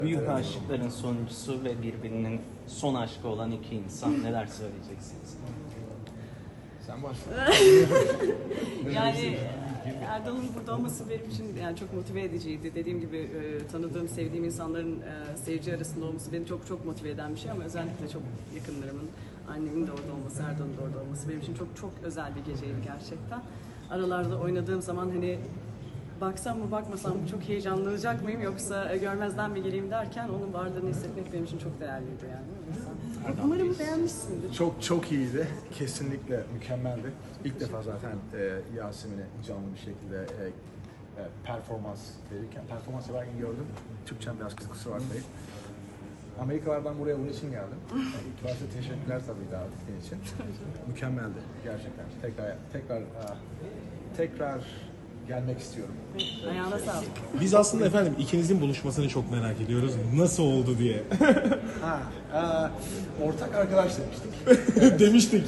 Büyük aşıkların sonuncusu ve birbirinin son aşkı olan iki insan, neler söyleyeceksiniz? Sen başla. Yani Erdal'ın burada olması benim için yani çok motive ediciydi. Dediğim gibi tanıdığım, sevdiğim insanların seyirci arasında olması beni çok çok motive eden bir şey ama özellikle çok yakınlarımın, annemin de orada olması, Erdal'ın da orada olması benim için çok çok özel bir geceydi gerçekten. Aralarda oynadığım zaman hani baksam mı bakmasam mı çok heyecanlanacak mıyım yoksa görmezden mi geleyim derken onun varlığını hissetmek benim için çok değerliydi yani. Umarım beğenmişsindir. Çok iyiydi. Kesinlikle mükemmeldi. İlk defa zaten Yasemin'i canlı bir şekilde performans yaparken gördüm. Türkçem biraz kusura bakmayın. Amerikalardan buraya bunun için geldim. İlk başta teşekkürler tabii davetin için. Mükemmeldi gerçekten. Tekrar gelmek istiyorum. Ayağına sağlık. Biz aslında efendim ikinizin buluşmasını çok merak ediyoruz. Nasıl oldu diye. Ortak arkadaş demiştik. Demiştik.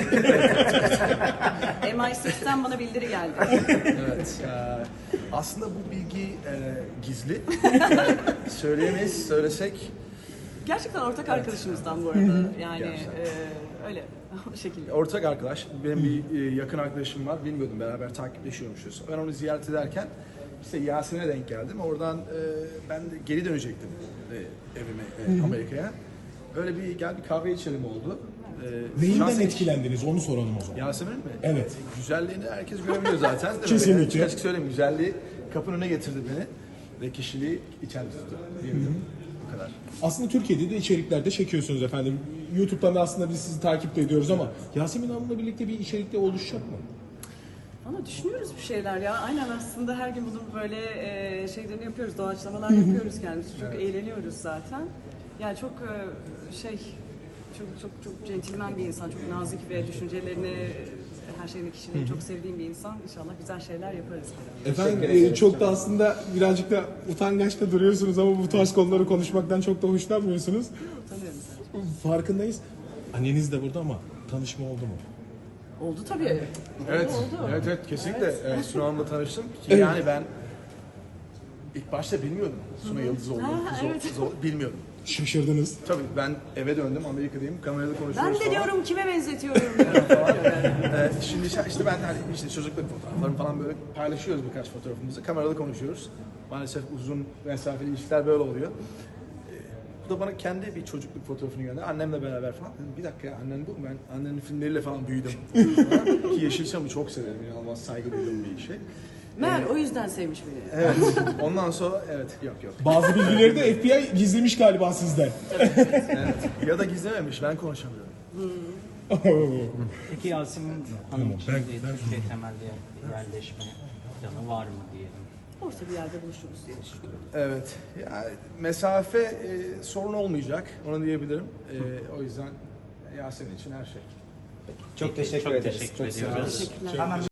MI6'ten bana bildiri geldi. Evet. Aslında bu bilgi gizli. Söyleyemeyiz, söylesek. Gerçekten ortak arkadaşımızdan bu arada. Yani Gerçekten. öyle o şekilde. Ortak arkadaş, benim bir yakın arkadaşım var, bilmiyordum beraber takipleşiyormuşuz. Ben onu ziyaret ederken işte Yasin'e denk geldim. Oradan ben de geri dönecektim evime Amerika'ya. Öyle bir gel bir kahve içelim oldu. Neyinden Yasemin- etkilendiniz onu soralım o zaman. Yasemin mi? Evet. Güzelliğini herkes görebiliyor zaten. Değil mi? Kesinlikle. Yani açık söyleyeyim, güzelliği kapının önüne getirdi beni ve kişiliği içeride tuttu diyebilirim. Bu kadar. Aslında Türkiye'de de içeriklerde çekiyorsunuz efendim. YouTube'dan da aslında biz sizi takip de ediyoruz ama Yasemin Hanım'la birlikte bir içerikte oluşacak mı? Ama düşünüyoruz bir şeyler ya. Aynen aslında her gün bunun böyle şeylerini yapıyoruz, doğaçlamalar yapıyoruz kendimiz. Çok eğleniyoruz zaten. Yani çok çok centilmen bir insan, çok nazik ve düşüncelerini, her şeyini, kişiliğini çok sevdiğim bir insan. İnşallah güzel şeyler yaparız. Efendim çok da aslında birazcık da utangaç da duruyorsunuz ama bu tarz konuları konuşmaktan çok da hoşlanmıyorsunuz. Utanıyorum sen. Farkındayız. Anneniz de burada ama tanışma oldu mu? Oldu tabii. Evet, Oldu. evet kesinlikle. Evet. Sunu Hanım'la tanıştım. Ki Evet. Yani ben ilk başta bilmiyordum Sunu Yıldız olduğunu, Ha, evet. kız olduğunu bilmiyordum. Şaşırdınız. Tabii ben eve döndüm, Amerika'dayım, kamerada konuşuyoruz Ben de falan. diyorum kime benzetiyorum diyorum falan. Şimdi işte ben hani işte çocukluk fotoğraflarımı falan böyle paylaşıyoruz, birkaç fotoğrafımızı. Kamerada konuşuyoruz. Maalesef uzun mesafeli ilişkiler böyle oluyor. Bu da bana kendi bir çocukluk fotoğrafını gönderdi. Annemle beraber falan. Dedim, bir dakika ya, annen bu mu? Ben annenin filmleriyle falan büyüdüm. Ki Yeşilçam'ı çok severim. İnanılmaz saygı duyduğum bir şey. Meğer o yüzden sevmiş beni. Evet. Ondan sonra evet, yok. Bazı bilgileri de FBI gizlemiş galiba sizden. Evet. Ya da gizlememiş, ben konuşamıyorum. Peki Yasemin Hanım için Ben- Türkiye temelli yerleşme planı var mı diyelim? Orta bir yerde buluşuruz diye düşünüyorum. Evet. Yani mesafe sorun olmayacak, onu diyebilirim. O yüzden Yasemin için her şey. Çok teşekkür ediyoruz. Teşekkürler.